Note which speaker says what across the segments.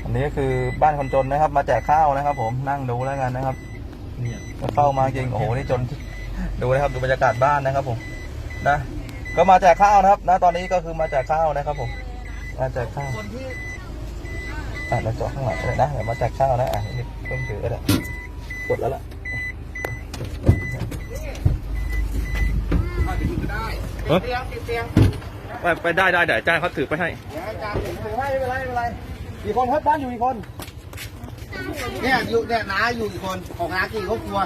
Speaker 1: อันนี้ก็คือบ้านคนจนนะครับ มาแจกข้าวนะครับ ผมนั่งดูแล้วกันนะครับเข้ามาจริงโอ้โหนี่จนดูนะครับดูบรรยากาศบ้านนะครับ ผมนะก็มาแจกข้าวนะครับนะตอนนี้ก็คือมาแจกข้าวนะครับ ผมมาแจกข้าวเราจอดข้างหลังเลยนะเดี๋ยวมาแจกข้าวนะนี่เพิ่มถือแล้วกดแล้วล่ะไปได้เดี๋ยวอาจารย์เขาถือไปให้อาจารย์ถือให้ไม่เป็นไรกี่คนครับบ้านอยู่กี่คน
Speaker 2: เนี่ยอยู่เนี่ยน้าอยู่กี่คนของน้ากี่ครอบครัว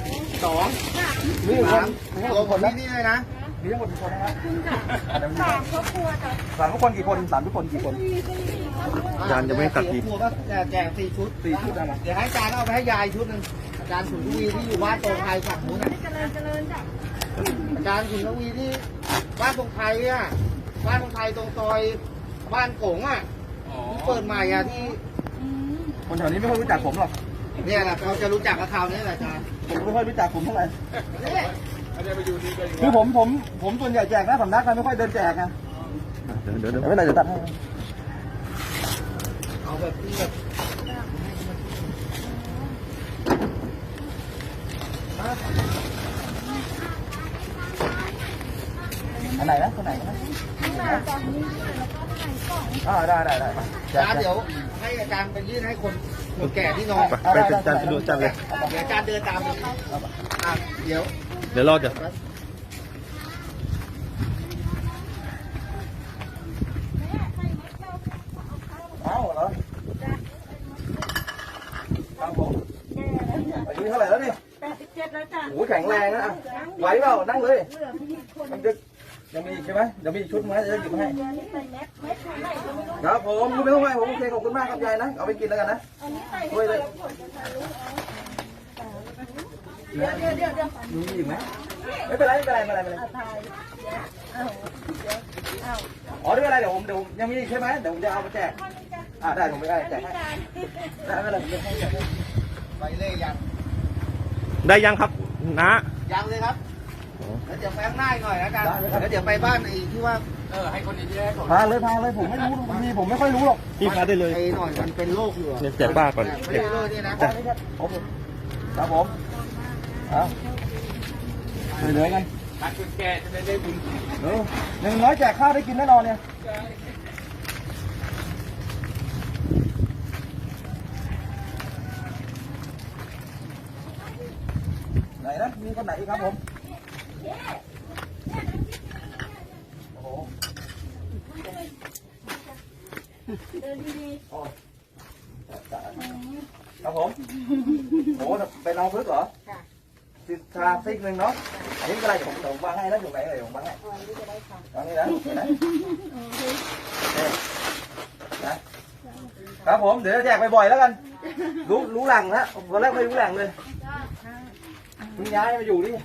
Speaker 2: 2
Speaker 1: มีคน
Speaker 2: ตัวคนนี่เลยนะ
Speaker 1: มีทั้งหมดกี่คนนะครับ
Speaker 3: 3 ครอบครัวจ้ะ
Speaker 1: 3 ทุกคนกี่คน3 ทุกคนกี่คนอาจารย์จะไม่ตัดที
Speaker 2: ครอบครัวก็แจก4 ชุด
Speaker 1: นะ
Speaker 2: เดี๋ยวให้อาจารย์เอาไปให้ยายชุดหนึ่งอาจารย์สุนทวีที่อยู่บ้านตรงไทยฝั่งนู้นนะ
Speaker 3: เจริญจ้ะ
Speaker 2: อาจารย์สุนทวีที่บ้านตรงไทยอ่ะบ้านตรงไทยตรงซอยบ้านโขงอ่ะที่เปิดใหม่อ่ะที่
Speaker 1: คนแถวนี้ไม่ค่อยรู้จักผมหรอก
Speaker 2: เนี่ยแหละเขาจะรู้จักกับเขาเนี่ยแหละอาจารย์
Speaker 1: ผมไม่ค่อยรู้จักผมเท่าไหร่คือผมส่วนใหญ่แจกนะสำนักกันไม่ค่อยเดินแจกนะเดี๋ยวไม่เป็นไรเดี๋ยวตัดให้
Speaker 2: เอาแบบที่แบบ
Speaker 1: อันไหนนะคนไหนนะได้
Speaker 2: อาจารย์เดี๋ยวให้อาจารย์ไปยื่นให้คนแก่ที่นอน
Speaker 1: ไปอาจารย์ดูอาจารย์เลย
Speaker 2: เดี๋ยวอาจารย์เดินตามไปเดี๋ยว
Speaker 1: รอเดี๋ยวเอาเหรอครับผมอายุเท่าไหร่แล้วนี่
Speaker 3: 87แล้วจ้ะ
Speaker 1: โอ้แข็งแรงนะไหวเปล่านั่งเลยยังมีอีกใช่ไหมเดี๋ยวมีอีกชุดไหมจะหยิบมาให้ครับผมไม่ต้องไหวผมโอเคขอบคุณมากครับยายนะเอาไปกินแล้วกันนะด้วยเลย
Speaker 3: เดี๋ยว
Speaker 1: มีอีกไหมไม่เป็นไรอ๋อไม่เป็นไรเดี๋ยวยังมีอีกใช่ไหมเดี๋ยวผมจะเอามาแจกได้ผมไม่ได้แจกให้ได้ไม่เป็นไรผมจะให้แจกให้
Speaker 2: ไปเลยยัง
Speaker 1: ได้ยังครับนะ
Speaker 2: ยังเลยครับแล้วเดี๋ยวไปข้างหน้าหน่อยนะกันแล้วเดี๋ยวไปบ้านไอ้ที่ว่าให้คนดีๆให้
Speaker 1: พาเลยผมไม่รู้ผมไม่ค่อยรู้หรอก
Speaker 2: พี่พาได้เลยไอ้หน่อยมันเป็นโรคอยู่
Speaker 1: เนี่ยแจกป้าก่อน
Speaker 2: ไม่ได้เลยนี่นะครับ
Speaker 1: ผมเอาเหลือกัน
Speaker 2: คุณแกจะได้บุญ
Speaker 1: อย่างน้อยแจกข้าวได้กินแน่นอนเนี่ยไหนนะมีคนไหนอีกครับผมโอ้โห
Speaker 3: เดินดี
Speaker 1: ครับผมโอ้เป็นเราพึกเหรอชาซิกหนึ่งเนาะอันนี้ก็อะไรผมวางให้แล้วอยู่ไหนเลยผมวางให้ตอนนี้นะครับผมเดี๋ยวจะแจกบ่อยๆแล้วกันรู้หลังนะตอนแรกไม่รู้หลังเลยคุณย้ายมาอยู่นี่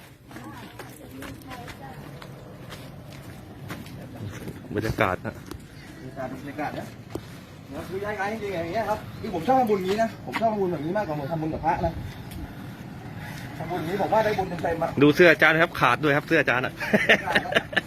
Speaker 1: บรรยากาศนะบรรยากาศนะคือย้ายจริงๆอย่างเงี้ยครับที่ผมชอบทำบุญนี้นะผมชอบทำบุญแบบนี้มากกว่าผมทำบุญกับพระนะทำบุญนี้ผมว่าได้บุญเต็มๆมา
Speaker 4: ดูเสื้ออาจารย์ครับขาดด้วยครับเสื้ออาจารย์อ่ะ